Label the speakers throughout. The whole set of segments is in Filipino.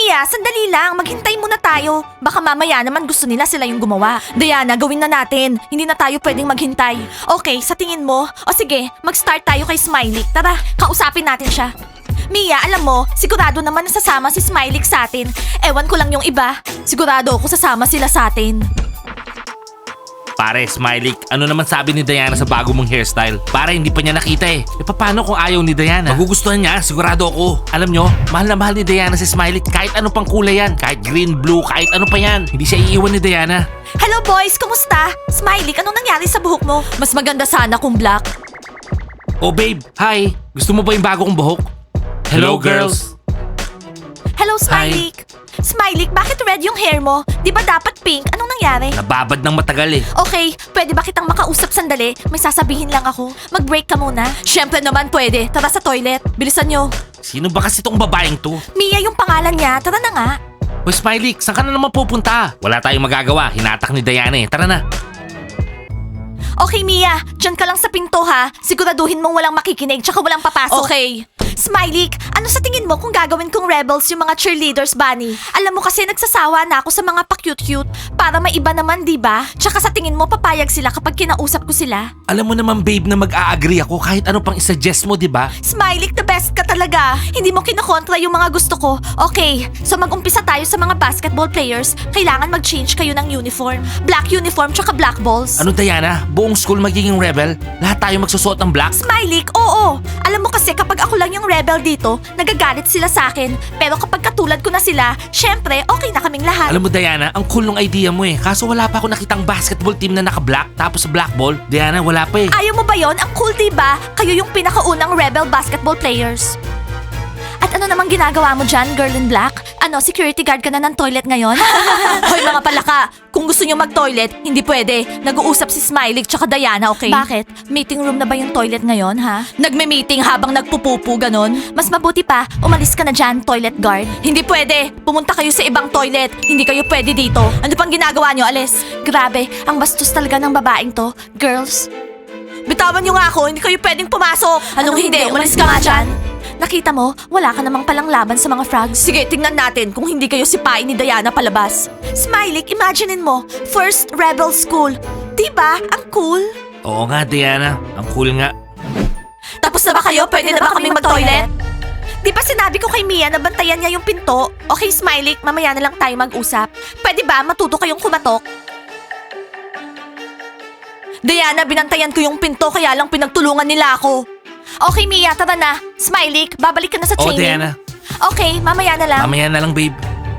Speaker 1: Mia, sandali lang. Maghintay muna tayo. Baka mamaya naman gusto nila sila yung gumawa. Diana, gawin na natin. Hindi na tayo pwedeng maghintay. Okay, sa tingin mo? O sige, mag-start tayo kay Smiley. Tara, kausapin natin siya. Mia, alam mo, sigurado naman nasasama si Smiley sa atin. Ewan ko lang yung iba. Sigurado ako sasama sila sa atin.
Speaker 2: Pare, Smiley, ano naman sabi ni Diana sa bago mong hairstyle? Para hindi pa niya nakita eh. E paano kung ayaw ni Diana? Magugustuhan niya, sigurado ako. Alam nyo, mahal na mahal ni Diana si Smiley kahit ano pang kulay yan. Kahit green, blue, kahit ano pa yan. Hindi siya iiwan ni Diana.
Speaker 1: Hello boys, kumusta? Smiley, anong nangyari sa buhok mo? Mas maganda sana kung black.
Speaker 2: Oh babe, hi. Gusto mo ba yung bago kong buhok? Hello girls.
Speaker 1: Hello Smiley. Smiley, bakit red yung hair mo? Di ba dapat pink? Anong nangyari?
Speaker 2: Nababad ng matagal eh.
Speaker 1: Okay, pwede ba kitang makausap sandali? May sasabihin lang ako. Mag-break ka muna. Siyempre naman pwede. Tara sa toilet. Bilisan nyo.
Speaker 2: Sino ba kasi tong babaeng to?
Speaker 1: Mia yung pangalan niya. Tara na nga.
Speaker 2: Hoy Smiley, saan ka na naman pupunta? Wala tayong magagawa. Hinatak ni Diana eh. Tara na.
Speaker 1: Okay, Mia. Diyan ka lang sa pinto ha. Siguraduhin mong walang makikinig tsaka walang papasok. Okay. Smiley, ano sa tingin mo kung gagawin kong rebels yung mga cheerleaders, Bunny? Alam mo kasi nagsasawa na ako sa mga pa-cute-cute para may iba naman, di ba? Tsaka sa tingin mo papayag sila kapag kinausap ko sila?
Speaker 2: Alam mo naman babe na mag-a-agree ako kahit ano pang isuggest mo, di ba?
Speaker 1: Smiley, the best ka talaga. Hindi mo kinokontra yung mga gusto ko. Okay, so mag-umpisa tayo sa mga basketball players. Kailangan mag-change kayo ng uniform. Black uniform tsaka black balls.
Speaker 2: Ano Diana? Buong school magiging rebel? Lahat tayo magsusuot ng black?
Speaker 1: Smiley, oo. Alam mo kasi kapag ako lang yung rebel dito, nagagalit sila sa akin. Pero kapag katulad ko na sila, syempre, okay na kaming lahat.
Speaker 2: Alam mo Diana, ang cool ng idea mo eh. Kaso wala pa ako nakitang basketball team na naka-black tapos black ball. Diana, wala pa eh.
Speaker 1: Ayaw mo ba yon? Ang cool, diba? Kayo yung pinakaunang rebel basketball players. At ano namang ginagawa mo dyan, girl in black? Ano, security guard ka na ng toilet ngayon? Hoy mga palaka, kung gusto nyo mag-toilet, hindi pwede. Nag-uusap si Smiley tsaka Diana, okay? Bakit? Meeting room na ba yung toilet ngayon, ha? Nagme-meeting habang nagpupupu, ganon? Mas mabuti pa, umalis ka na dyan, toilet guard. Hindi pwede. Pumunta kayo sa ibang toilet. Hindi kayo pwede dito. Ano pang ginagawa nyo, alis? Grabe, ang bastos talaga ng babaeng to. Girls, bitawan nyo nga ako, hindi kayo pwedeng pumasok. Anong hindi? Umalis ka nga dyan. Nakita mo, wala ka namang palang laban sa mga frogs. Sige, tingnan natin kung hindi kayo sipain ni Diana palabas. Smiley, imaginein mo, first rebel school. Diba? Ang cool.
Speaker 2: Oo nga Diana, ang cool nga.
Speaker 1: Tapos na ba kayo? Pwede na ba kaming mag-toilet? Di ba sinabi ko kay Mia na bantayan niya yung pinto? Okay, Smiley, mamaya na lang tayo mag-usap. Pwede ba matuto kayong kumatok? Diana, binantayan ko yung pinto kaya lang pinagtulungan nila ako. Okay, Mia, tara na. Smiley, babalik ka na sa
Speaker 2: Oo
Speaker 1: training.
Speaker 2: Diana,
Speaker 1: Okay, mamaya na lang.
Speaker 2: mamaya na lang babe.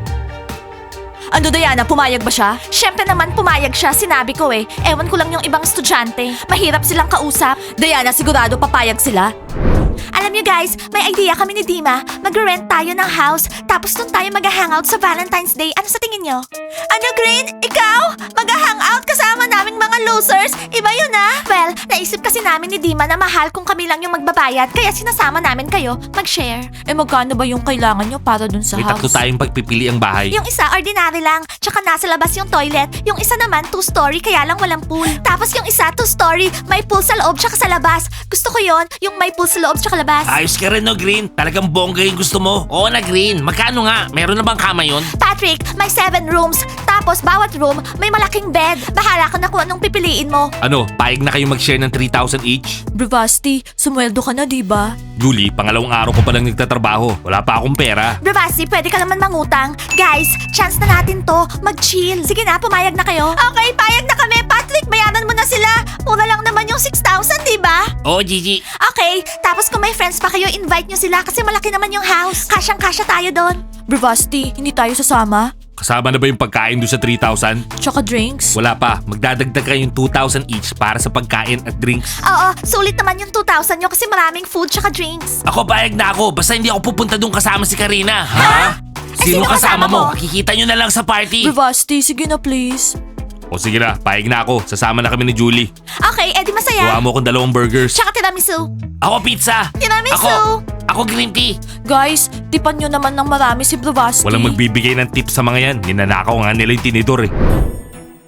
Speaker 1: Ano, Diana, pumayag ba siya? Siyempre naman pumayag siya, sinabi ko eh. Ewan ko lang yung ibang estudyante. Mahirap silang kausap. Diana, sigurado papayag sila. Alam niyo guys, may idea kami ni Dima. Mag-rent tayo ng house, tapos doon tayo mag-hangout sa Valentine's Day. Ano sa tingin niyo? Ano, Green? Ikaw? Mag-hangout kasama naming mga losers? Iba yun ah. Well, naisip kasi namin ni Dima na mahal kung kami lang yung magbabayad, kaya sinasama namin kayo mag-share. Eh magkano ba yung kailangan niyo para dun sa
Speaker 2: May
Speaker 1: house?
Speaker 2: tatlo tayong pagpipili ang bahay.
Speaker 1: Yung isa, ordinary lang. Tsaka nasa labas yung toilet. Yung isa naman, 2-story, kaya lang walang pool. Tapos yung isa, 2-story, may pool sa loob tsaka sa labas. Gusto ko yon, yung may pool sa loob tsaka labas.
Speaker 2: Ayos ka rin no Green, talagang bongga yung gusto mo. Oo na Green, magkano nga? Meron na bang kama yun?
Speaker 1: Patrick, may 7 rooms. Tapos bawat room, may malaking bed. Bahala ka na kung anong pipiliin mo.
Speaker 2: Ano, payag na kayo mag-share ng 3,000 each?
Speaker 1: Bravasti, sumweldo ka na, diba?
Speaker 2: Julie, pangalawang araw ko palang nagtatrabaho. Wala pa akong pera.
Speaker 1: Bravasti, pwede ka naman mangutang. Guys, chance na natin to. Mag-chill. Sige na, pumayag na kayo. Okay, payag na kami. Patrick, bayaran mo na sila. Mura lang naman yung 6,000, diba?
Speaker 2: Oo Gigi.
Speaker 1: Okay, tapos kung may friends pa kayo, invite nyo sila kasi malaki naman yung house. Kasyang-kasya tayo doon. Bravasti, hindi tayo sasama?
Speaker 2: Kasama na ba yung pagkain doon sa 3,000?
Speaker 1: Tsaka drinks?
Speaker 2: Wala pa, magdadagdag kayong 2,000 each para sa pagkain at drinks.
Speaker 1: Oo, sulit naman yung 2,000 nyo kasi maraming food tsaka drinks.
Speaker 2: Ako payag na ako, basta hindi ako pupunta doon kasama si Karina. Ha?
Speaker 1: Sino kasama mo?
Speaker 2: Makikita nyo na lang sa party.
Speaker 1: Bravasti, sige na please.
Speaker 2: O sige na, payag na ako. Sasama na kami ni Julie.
Speaker 1: Okay, edi masaya.
Speaker 2: Gawa mo akong 2 burgers.
Speaker 1: Tsaka tiramisu.
Speaker 2: Ako pizza.
Speaker 1: Tiramisu.
Speaker 2: Ako green tea.
Speaker 1: Guys, tipan nyo naman ng marami si Bravasti.
Speaker 2: Walang magbibigay ng tip sa mga yan. Ninanakaw nga nila yung tinidor eh.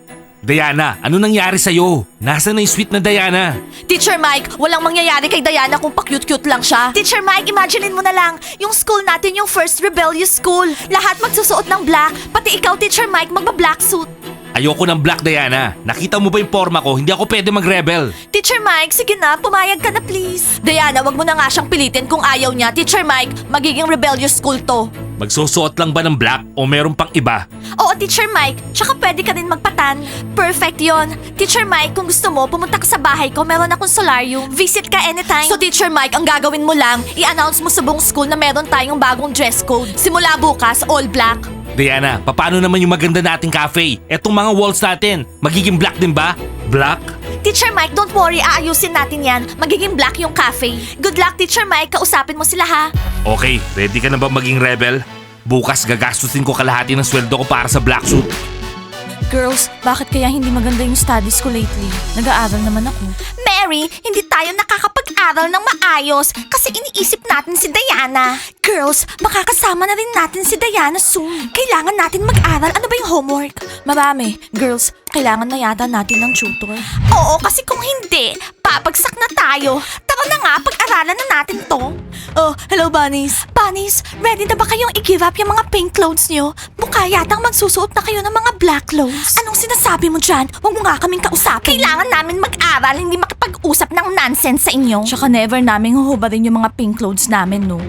Speaker 2: Diana, ano nangyari sa'yo? Nasaan na yung sweet na Diana?
Speaker 1: Teacher Mike, walang mangyayari kay Diana kung pa-cute-cute lang siya. Teacher Mike, imaginein mo na lang, yung school natin yung first rebellious school. Lahat magsusuot ng black, pati ikaw, Teacher Mike, magba-black suit.
Speaker 2: Ayoko ng black, Diana. Nakita mo ba yung forma ko? Hindi ako pwede mag-rebel.
Speaker 1: Teacher Mike, sige na, pumayag ka na please. Diana, wag mo na nga siyang pilitin kung ayaw niya. Teacher Mike, magiging rebellious school to.
Speaker 2: Magsusuot lang ba ng black o meron pang iba?
Speaker 1: Oo, Teacher Mike, tsaka pwede ka rin magpatan. Perfect yon. Teacher Mike, kung gusto mo, pumunta ka sa bahay ko, meron akong solarium. Visit ka anytime. So Teacher Mike, ang gagawin mo lang, i-announce mo sa buong school na meron tayong bagong dress code. Simula bukas, all black.
Speaker 2: Diana, paano naman yung maganda nating cafe? Etong mga walls natin, magiging black din ba? Black?
Speaker 1: Teacher Mike, don't worry, aayusin natin yan. Magiging black yung cafe. Good luck, Teacher Mike, kausapin mo sila ha.
Speaker 2: Okay, ready ka na ba maging rebel? Bukas gagastusin ko kalahati ng sweldo ko para sa black suit.
Speaker 1: Girls, bakit kaya hindi maganda yung studies ko lately? Nag-aaral naman ako. Mary, hindi tayo nakakapag-aral ng maayos kasi iniisip natin si Diana. Girls, makakasama na rin natin si Diana soon. Kailangan natin mag-aral. Ano ba yung homework? Marami. Girls, kailangan na yata natin ng tutor. Oo, kasi kung hindi, papagsak na tayo. Tara na nga, pag-aralan na natin to. Oh, hello Bunnies. Bunnies, ready na ba kayong i-give up yung mga pink clothes nyo? Mukha yatang magsusuot na kayo ng mga black clothes. Anong sinasabi mo dyan? Huwag mo nga kaming kausapin. Kailangan namin mag-aral, hindi makipag-usap ng nonsense sa inyo. Tsaka never namin huhubarin yung mga pink clothes namin, no?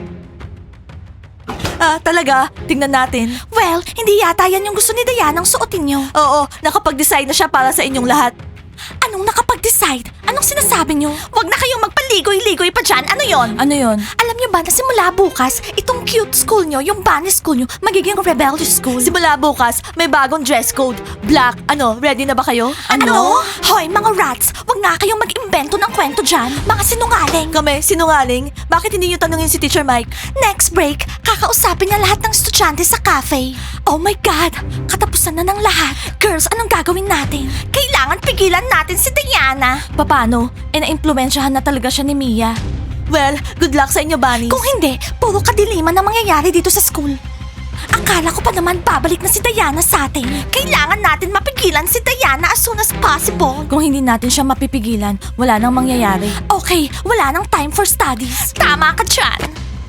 Speaker 1: Ah, talaga? Tingnan natin. Well, hindi yata yan yung gusto ni Diana ang suotin nyo. Oo, nakapag-decide na siya para sa inyong lahat. Anong nakapag-decide? Anong sinasabi nyo? Huwag na kayong magpaligoy-ligoy pa dyan. Ano yon? Ano yon? Alam nyo ba na simula bukas, itong cute school nyo, yung bunny school nyo, magiging rebellious school? Simula bukas, may bagong dress code. Black. Ano, ready na ba kayo? Ano? Hoy, mga rats, huwag nga kayong mag-imbento ng kwento dyan. Mga sinungaling. Kami, sinungaling? Bakit hindi nyo tanungin si Teacher Mike? Next break, kakausapin niya lahat ng estudyante sa cafe. Oh my God! Katapusan na ng lahat. Girls, anong gagawin natin? Kailangan pigilan natin si Diana. Paano? Na-impluensyahan na talaga siya ni Mia. Well, good luck sa inyo, Bunnies. Kung hindi, puro kadiliman na mangyayari dito sa school. Akala ko pa naman babalik na si Diana sa atin. Kailangan natin mapigilan si Diana as soon as possible. Kung hindi natin siya mapipigilan, wala nang mangyayari. Okay, wala nang time for studies. Tama ka dyan.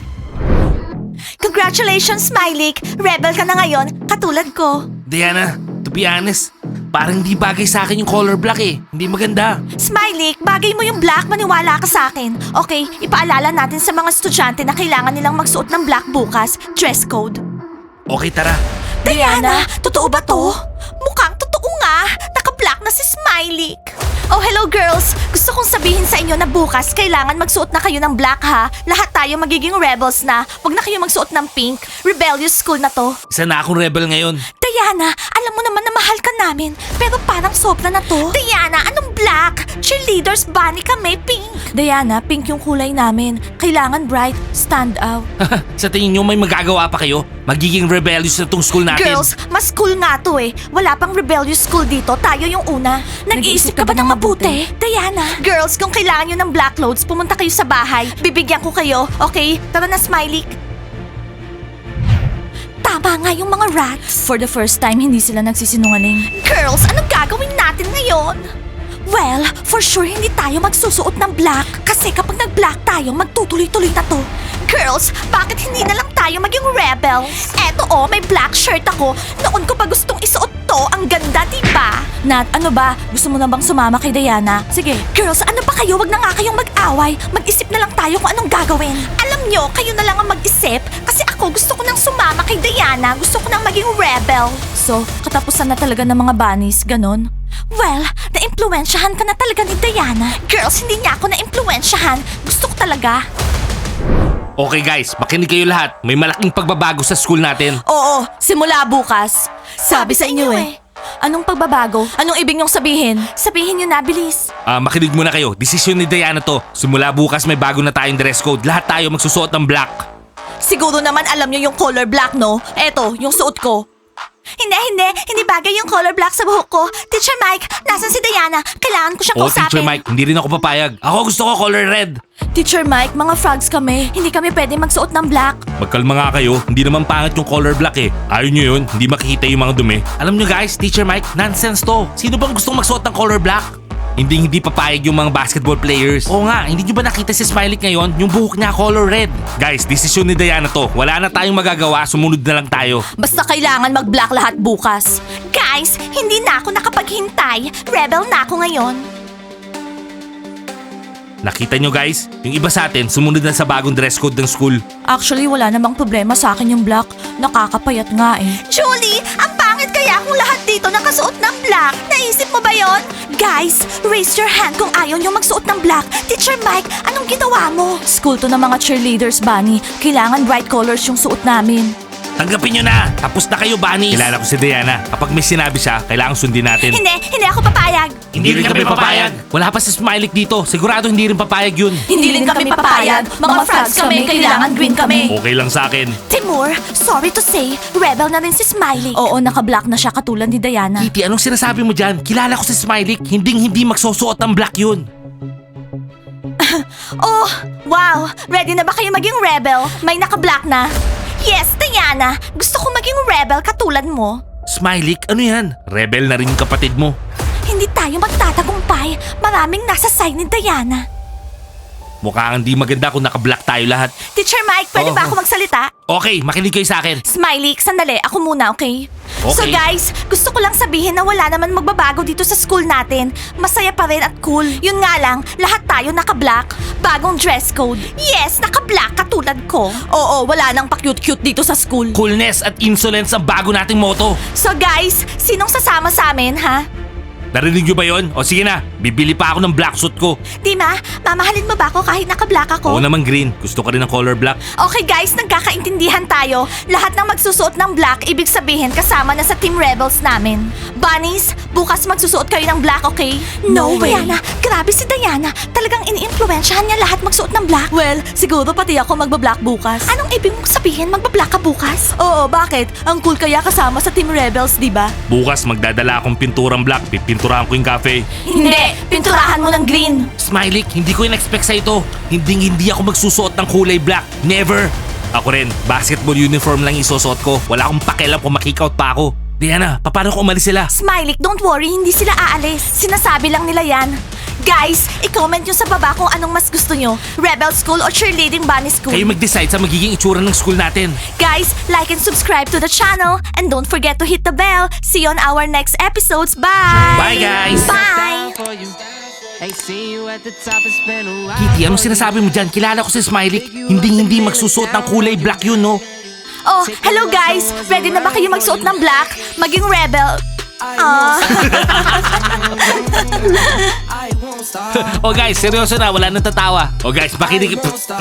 Speaker 1: Congratulations, Smiley! Rebel ka na ngayon, katulad ko.
Speaker 2: Diana, to be honest, parang hindi bagay sa akin yung color black eh. Hindi maganda.
Speaker 1: Smiley, bagay mo yung black, maniwala ka sa akin. Okay, ipaalala natin sa mga estudyante na kailangan nilang magsuot ng black bukas. Dress code.
Speaker 2: Okay, tara.
Speaker 1: Diana, totoo ba to? Mukhang totoo nga. Naka-black na si Smiley. Oh, hello girls! Gusto kong sabihin sa inyo na bukas kailangan magsuot na kayo ng black ha. Lahat tayo magiging rebels na. Huwag na kayo magsuot ng pink. Rebellious school na to.
Speaker 2: Isa na akong rebel ngayon.
Speaker 1: Diana, alam mo naman na mahal ka namin. Pero parang sobra na to. Diana, anong black? Cheerleaders, bunny kami, pink. Diana, pink yung kulay namin. Kailangan bright, stand out.
Speaker 2: Sa tingin nyo may magagawa pa kayo? Magiging rebellious na tong school natin.
Speaker 1: Girls, mas cool nga to eh. Wala pang rebellious school dito. Tayo yung una. Nag-iisip ka ba ng mabuti? Diana. Girls, kung kailangan nyo ng black clothes, pumunta kayo sa bahay. Bibigyan ko kayo. Okay? Tara na, Smiley. Tama nga yung mga rats. For the first time, hindi sila nagsisinungaling. Girls, anong gagawin natin ngayon? Well, for sure hindi tayo magsusuot ng black. Kasi kapag nag-black tayo, magtutuloy-tuloy na to. Girls, bakit hindi na lang tayo maging rebels? Eto oh, may black shirt ako. Noon ko pa gustong isuot to. Ang ganda, diba? Nat, ano ba? Gusto mo na bang sumama kay Diana? Sige. Girls, ano ba kayo? Wag na nga kayong mag-away. Mag-isip na lang tayo kung anong gagawin. Alam nyo, kayo na lang ang mag-isip. Kasi ako gusto ko nang sumama kay Diana. Gusto ko nang maging rebel. So, katapusan na talaga ng mga bunnies, ganon? Well, na-impluensyahan ka na talaga ni Diana. Girls, hindi niya ako na-impluensyahan. Gusto ko talaga.
Speaker 2: Okay guys, makinig kayo lahat. May malaking pagbabago sa school natin.
Speaker 1: Oo, simula bukas. Sabi sa inyo eh. Anong pagbabago? Anong ibig niyong sabihin? Sabihin niyo na, bilis.
Speaker 2: Makinig muna kayo. Desisyon ni Diana to. Simula bukas may bago na tayong dress code. Lahat tayo magsusuot ng black.
Speaker 1: Siguro naman alam niyo yung color black, no? Eto, yung suot ko. Hindi bagay yung color black sa buhok ko. Teacher Mike, nasan si Diana? Kailangan ko siyang
Speaker 2: Oh,
Speaker 1: kausapin.
Speaker 2: Teacher Mike, hindi rin ako papayag. Ako gusto ko color red.
Speaker 1: Teacher Mike, mga frogs kami. Hindi kami pwede magsuot ng black.
Speaker 2: Magkalma nga kayo, hindi naman pangit yung color black eh. Ayaw nyo yun, hindi makikita yung mga dumi. Alam nyo guys, Teacher Mike, nonsense to. Sino bang gustong magsuot ng color black? Hindi papayag yung mga basketball players. Oo nga, hindi nyo ba nakita si Smiley ngayon? Yung buhok niya color red. Guys, desisyon ni Diana to. Wala na tayong magagawa, sumunod na lang tayo.
Speaker 1: Basta kailangan mag-black lahat bukas. Guys, hindi na ako nakapaghintay. Rebel na ako ngayon.
Speaker 2: Nakita nyo guys? Yung iba sa atin, sumunod na sa bagong dress code ng school.
Speaker 1: Actually, wala namang problema sa akin yung black. Nakakapayat nga eh. Julie, ang pangit kaya kung lahat dito nakasuot ng black. Naisip mo ba yon? Guys, raise your hand kung ayaw nyo magsuot ng black. Teacher Mike, anong ginawa mo? School to ng mga cheerleaders, Bunny. Kailangan bright colors yung suot namin.
Speaker 2: Tanggapin nyo na! Tapos na kayo, Bunny! Kilala ko si Diana. Kapag may sinabi siya, kailangan sundin natin.
Speaker 1: Hindi ako papayag.
Speaker 2: Hindi rin kami papayag. Wala pa si Smiley dito. Sigurado hindi rin papayag yun.
Speaker 1: Hindi rin kami papayag. Mga frogs kami, kailangan green kami.
Speaker 2: Okay lang sa akin.
Speaker 1: Timur, sorry to say, rebel na rin si Smiley. Oo, naka-black na siya katulad ni Diana.
Speaker 2: Kitty, anong sinasabi mo dyan? Kilala ko si Smiley. Hindi magsusuot ng black yun.
Speaker 1: Oh, wow! Ready na ba kayo maging rebel? May naka-black na. Yes, Diana! Gusto ko maging rebel katulad mo.
Speaker 2: Smiley, ano yan? Rebel na rin yung kapatid mo.
Speaker 1: Hindi tayo magtatagumpay. Maraming nasa side ni Diana.
Speaker 2: Mukhang hindi maganda kung naka-black tayo lahat.
Speaker 1: Teacher Mike, pwede ba
Speaker 2: Oo.
Speaker 1: ako magsalita?
Speaker 2: Okay, makinig kayo sa akin.
Speaker 1: Smiley, sandali. Ako muna, okay?
Speaker 2: Okay.
Speaker 1: So guys, gusto ko lang sabihin na wala naman magbabago dito sa school natin. Masaya pa rin at cool. Yun nga lang, lahat tayo naka-black. Bagong dress code. Yes, naka-black katulad ko. Oo, wala nang pa-cute-cute dito sa school.
Speaker 2: Coolness at insolence ang bago nating motto.
Speaker 1: So guys, sinong sasama sa amin, ha?
Speaker 2: Narinig nyo ba yun? O sige na, bibili pa ako ng black suit ko.
Speaker 1: Dima, mamahalin mo ba ako kahit naka-black ako?
Speaker 2: Oo naman green. Gusto ka rin ng color black.
Speaker 1: Okay guys, nagkakaintindihan tayo. Lahat ng magsusuot ng black, ibig sabihin kasama na sa Team Rebels namin. Bunnies, bukas magsusuot kayo ng black, okay?
Speaker 3: No way.
Speaker 1: Diana, grabe si Diana. Talagang ini-influensyahan niya lahat magsuot ng black. Well, siguro pati ako magba-black bukas. Anong ibig mong sabihin magba-black ka bukas? Oo, bakit? Ang cool kaya kasama sa Team Rebels, di ba?
Speaker 2: Bukas magdadala akong pinturang black. Pipinturahan ko yung cafe.
Speaker 1: Hindi, pinturahan mo ng green.
Speaker 2: Smiley, hindi ko in-expect sa ito. Hindi ako magsusuot ng kulay black. Never. Ako rin, basketball uniform lang isusuot ko. Wala akong pakialam kung makikout pa ako. Diana, paano kung umalis sila?
Speaker 1: Smiley, don't worry, hindi sila aalis. Sinasabi lang nila yan. Guys, i-comment nyo sa baba kung anong mas gusto nyo. Rebel School o Cheerleading Bunny School.
Speaker 2: Kayo mag-decide sa magiging itsura ng school natin.
Speaker 1: Guys, like and subscribe to the channel. And don't forget to hit the bell. See you on our next episodes. Bye!
Speaker 2: Bye, guys!
Speaker 1: Bye!
Speaker 3: Ain't seen you at the top, it's been a while.
Speaker 2: Kitty, anong sinasabi mo dyan? Kilala ko si Smiley. Hindi magsusuot ng kulay black yun, no?
Speaker 1: Oh, hello guys! Ready na ba kayo magsuot ng black? Maging rebel?
Speaker 2: Oh guys, seryoso na, wala nang tatawa. Oh guys, makinig.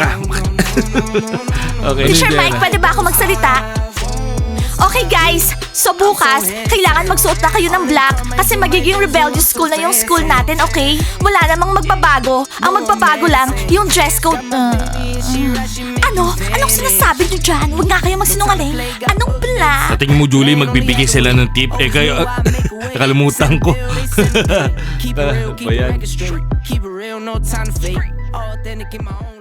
Speaker 2: Okay.
Speaker 1: Teacher Mike, pwede ba ako magsalita? Okay guys, so bukas, kailangan magsuot na kayo ng black kasi magiging rebellious school na yung school natin, okay? Wala namang magbabago. Ang magbabago lang, yung dress code. Ano? Anong sinasabi niyo dyan? Huwag nga kayo magsinungaling. Anong black?
Speaker 2: Sa tingin mo, Julie, magbibigay sila ng tip. Eh kayo, nakalimutan ko.
Speaker 3: Keep it real, keep
Speaker 2: Ba yan?
Speaker 3: it straight. Keep it real, no time to fake. Authentic in my own